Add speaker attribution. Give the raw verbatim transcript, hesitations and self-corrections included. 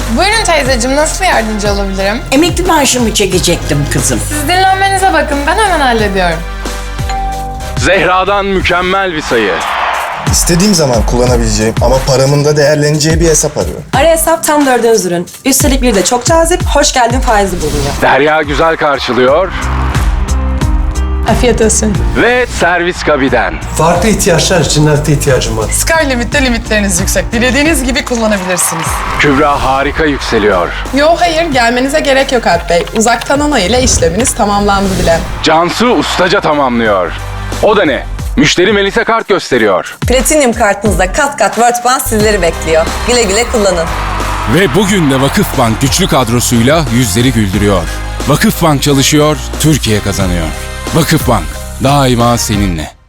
Speaker 1: Buyurun teyzeciğim, nasıl yardımcı olabilirim?
Speaker 2: Emekli maaşımı çekecektim kızım.
Speaker 1: Siz dinlenmenize bakın, ben hemen hallediyorum.
Speaker 3: Zehra'dan mükemmel bir sayı.
Speaker 4: İstediğim zaman kullanabileceğim ama paramın da değerleneceği bir hesap arıyorum.
Speaker 5: Ara hesap tam dördüncü ürün. Üstelik bir de çok cazip, hoş geldin faizi bulunuyor.
Speaker 3: Derya güzel karşılıyor
Speaker 1: Afiyet olsun.
Speaker 3: ve servis kabiden.
Speaker 6: Farklı ihtiyaçlar için nakde ihtiyacım var.
Speaker 7: Sky Limit'te limitleriniz yüksek. Dilediğiniz gibi kullanabilirsiniz.
Speaker 3: Kübra harika yükseliyor.
Speaker 7: Yo hayır, gelmenize gerek yok Alp Bey. Uzaktan onay ile işleminiz tamamlandı bile.
Speaker 3: Cansu ustaca tamamlıyor. O da ne? Müşteri Melisa kart gösteriyor.
Speaker 8: Platinum kartınızda kat kat Worldband sizleri bekliyor. Güle güle kullanın.
Speaker 9: Ve bugün de Vakıfbank güçlü kadrosuyla yüzleri güldürüyor. Vakıfbank çalışıyor, Türkiye kazanıyor. Vakıfbank, daima seninle.